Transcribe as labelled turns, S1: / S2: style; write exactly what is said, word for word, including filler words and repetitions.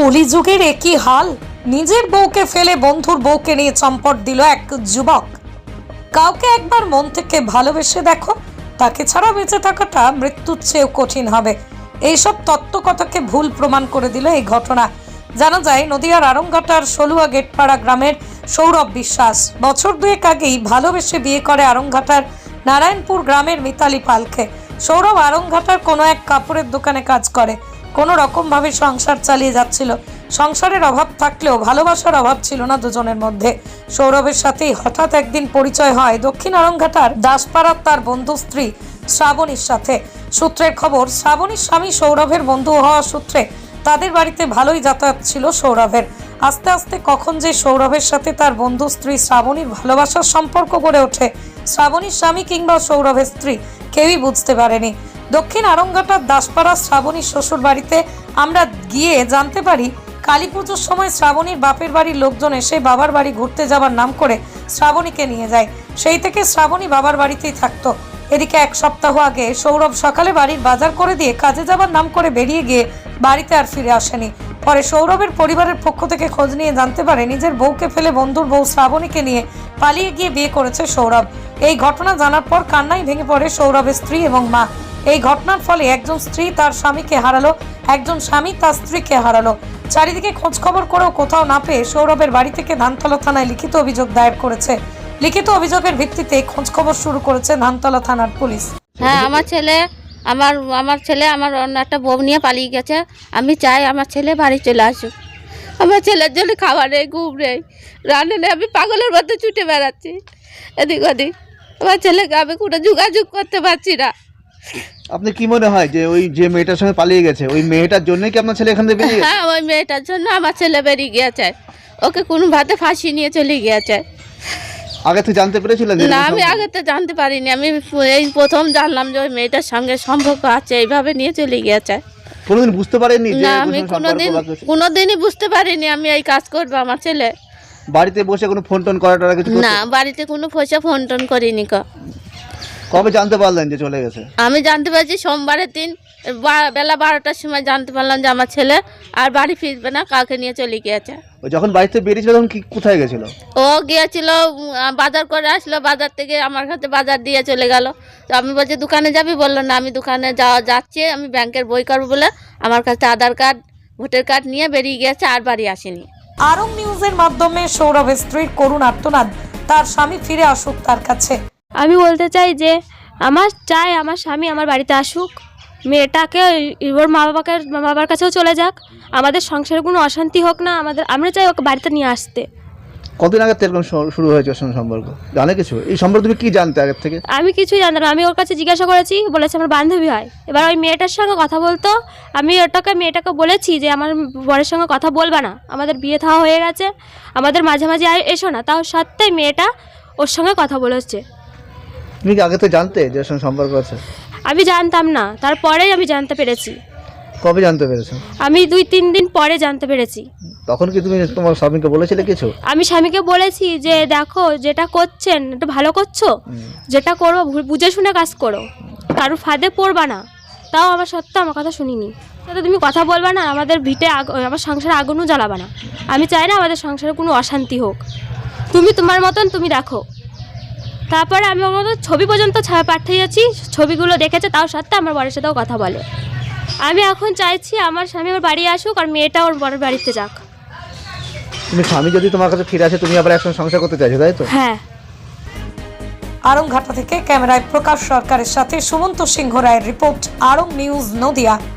S1: কলিযুগের একই হাল, নিজের বউকে ফেলে বন্ধুর বউকে নিয়ে চম্পট দিল এক যুবক। কাউকে একবার মন থেকে ভালোবেসে দেখো, তাকে ছাড়া বেঁচে থাকাটা মৃত্যুর চেয়েও কঠিন হবে। এইসব তত্ত্বকথাকে ভুল প্রমাণ করে দিল এই ঘটনা। জানা যায় নদিয়ার আরংঘাটার সলুয়া গেটপাড়া গ্রামের সৌরভ বিশ্বাস বছর দুয়েক আগেই ভালোবেসে বিয়ে করে আরংঘাটার নারায়ণপুর গ্রামের মিতালি পালকে। সৌরভ আরংঘাটার কোনো এক কাপড়ের দোকানে কাজ করে, কোনো রকম ভাবে সংসার চালিয়ে যাচ্ছিল। সংসারের অভাব থাকলেও ভালোবাসার অভাব ছিল না দুজনের মধ্যে। সৌরভের সাথেই হঠাৎ একদিন পরিচয় হয় দক্ষিণ আরংঘাটার দাসপাড়ার তার বন্ধু স্ত্রী শ্রাবণীর সাথে। সূত্রের খবর, শ্রাবণীর স্বামী সৌরভের বন্ধু হওয়া সূত্রে তাদের বাড়িতে ভালোই যাতায়াত ছিল সৌরভের। আস্তে আস্তে কখন যে সৌরভের সাথে তার বন্ধু স্ত্রী শ্রাবণীর ভালোবাসার সম্পর্ক গড়ে ওঠে, শ্রাবণীর স্বামী কিংবা সৌরভের স্ত্রী কেউই বুঝতে পারেনি। দক্ষিণ আরংঘাটার দাসপাড়া শ্রাবণীর শ্বশুর বাড়িতে আমরা গিয়ে জানতে পারি, কালী পুজোর সময় শ্রাবণীর বাপের বাড়ির লোকজন এসে বাবার বাড়ি ঘুরতে যাবার নাম করে শ্রাবণীকে নিয়ে যায়। সেই থেকে শ্রাবণী বাবার বাড়িতেই থাকতো। এদিকে এক সপ্তাহ আগে সৌরভ সকালে বাড়ির বাজার করে দিয়ে কাজে যাবার নাম করে বেরিয়ে গিয়ে বাড়িতে আর ফিরে আসেনি। পরে সৌরভের পরিবারের পক্ষ থেকে খোঁজ নিয়ে জানতে পারে নিজের বউকে ফেলে বন্ধুর বউ শ্রাবণীকে নিয়ে পালিয়ে গিয়ে বিয়ে করেছে সৌরভ। এই ঘটনা জানার পর কান্নায় ভেঙে পড়ে সৌরভের স্ত্রী এবং মা। এই ঘটনার ফলে একজন স্ত্রী তার স্বামীকে হারালো, একজন স্বামী তার স্ত্রীকে হারালো। চারিদিকে খোঁজ খবর করেও কোথাও না পেয়ে সৌরভের বাড়ি থেকে ধানতলা থানায় লিখিত অভিযোগ দায়ের করেছে। লিখিত অভিযোগের ভিত্তিতে খোঁজ খবর শুরু করেছে ধানতলা থানার পুলিশ।
S2: হ্যাঁ, আমার ছেলে আমার আমার ছেলে আমার অন্য একটা বউ নিয়ে পালিয়ে গেছে। আমি চাই আমার ছেলে বাড়ি চলে আসুক। আমার ছেলের জন্য খাবার নেই, ঘুম নেই, রান্না নেই, আমি পাগলের মধ্যে ছুটে বেড়াচ্ছি এদিক ওদিক। আমার ছেলেকে আমি কোনো যোগাযোগ করতে পারছি না।
S3: আপনি কি মনে হয় যে ওই যে মেয়েটার সঙ্গে পালিয়ে গেছে ওই মেয়েটার জন্যই কি আপনার ছেলে এখান থেকে বেরিয়ে গেছে?
S2: হ্যাঁ, ওই মেয়েটার জন্য আমার ছেলে বেরিয়ে গিয়েছে। ওকে কোনো ভাতে ফাঁসি নিয়ে চলে গিয়েছে।
S3: আগে থেকে জানতে পেরেছিলেন?
S2: না, আমি আগে তো জানতে পারিনি। আমি এই প্রথম জানলাম যে ওই মেয়েটার সঙ্গে সম্পর্ক আছে, এইভাবে নিয়ে চলে গিয়েছে।
S3: কোনোদিন বুঝতে পারেননি?
S2: না, আমি কোনোদিন কোনোদিনই বুঝতে পারিনি আমি এই কাজ করবো। আমার ছেলে
S3: বাড়িতে বসে কোনো ফোন টোন করাটা কিছু?
S2: না, বাড়িতে কোনো পয়সা ফোন টোন করিনি।
S3: কবে জানতে পারলেন যে চলে গেছে?
S2: আমি জানতে পারছি সোমবারের দিন বেলা বারোটার সময় জানতে পারলাম যে আমার ছেলে আর বাড়ি ফিরবে না, কাউকে নিয়ে চলে গিয়েছে।
S3: ও যখন বাড়িতে বেরিয়েছিল তখন কি কোথায় গেছিল?
S2: ও গিয়েছিল বাজার করে আসলো, বাজার থেকে আমার কাছে বাজার দিয়ে চলে গেল। তো আমি বলছি দোকানে যাবি, বললো না আমি দোকানে যাওয়া যাচ্ছি, আমি ব্যাংকের বই করবো বলে আমার কাছে আধার কার্ড ভোটার কার্ড নিয়ে বেরিয়ে গিয়েছে, আর বাড়ি আসেনি।
S1: আরং নিউজের মাধ্যমে সৌরভের স্ত্রীর করুণ আর্তনাদ, তার স্বামী ফিরে আসুক তার কাছে।
S4: আমি বলতে চাই যে আমার চাই আমার স্বামী আমার বাড়িতে আসুক, মেয়েটাকে ওর মা বাবাকে মা বাবার কাছেও চলে যাক, আমাদের সংসারে কোনো অশান্তি হোক না। আমাদের আমরা চাই ওকে বাড়িতে নিয়ে আসতে।
S3: কতদিন আগে এরকম শুরু হয়েছে ওর সঙ্গে সম্পর্ক? জানে কিছু এই সম্পর্কে? তুমি কি জানতে আগের থেকে?
S4: আমি কিছুই জানতাম না। আমি ওর কাছে জিজ্ঞাসা করেছি, বলেছে আমার বান্ধবী হয়। এবার ওই মেয়েটার সঙ্গে কথা বলতো, আমি ওটাকে মেয়েটাকে বলেছি যে আমার বরের সঙ্গে কথা বলবা না, আমাদের বিয়ে থাওয়া হয়ে গেছে, আমাদের মাঝে মাঝে এসো না। তাও সত্ত্বেও মেয়েটা ওর সঙ্গে কথা বলেছে।
S3: তুমি কি আগে থেকে জানতে যে ওর সঙ্গে সম্পর্ক আছে?
S4: আমি জানতাম না, তারপরেই আমি জানতে পেরেছি।
S3: কবে জানতে পেরেছো?
S4: আমি দুই তিন দিন পরে জানতে পেরেছি।
S3: তখন কি তুমি তোমার স্বামীকে বলেছিলে কিছু?
S4: আমি স্বামীকে বলেছি যে দেখো যেটা করছেন একটু ভালো করছো, যেটা করবো বুঝে শুনে কাজ করো, কারোর ফাঁদে পড়বা না। তাও আমার সত্ত্বেও আমার কথা শুনিনি। তাতে তুমি কথা বলবা না, আমাদের ভিটে আমার সংসারে আগুনও জ্বালাবা না। আমি চাই না আমাদের সংসারে কোনো অশান্তি হোক। তুমি তোমার মতন তুমি দেখো। তারপরে আমি ওর মতন ছবি পর্যন্ত পাঠিয়েছি, ছবিগুলো দেখেছে, তাও সত্ত্বেও আমার বরের সাথেও কথা বলে। আমি এখন চাইছি আমার স্বামী আমার বাড়ি আসুক আর মেয়েটা ওর বরের বাড়িতে যাক।
S3: তুমি স্বামী যদি তোমার কাছে ফিরে আসে তুমি আবার একসঙ্গে সংসার করতে চাইছো, তাই তো?
S4: হ্যাঁ।
S1: আরংঘাটা থেকে ক্যামেরায় প্রকাশ সরকারের সাথে সুমন্ত সিংহ রায়ের রিপোর্ট, আরং নিউজ নদিয়া।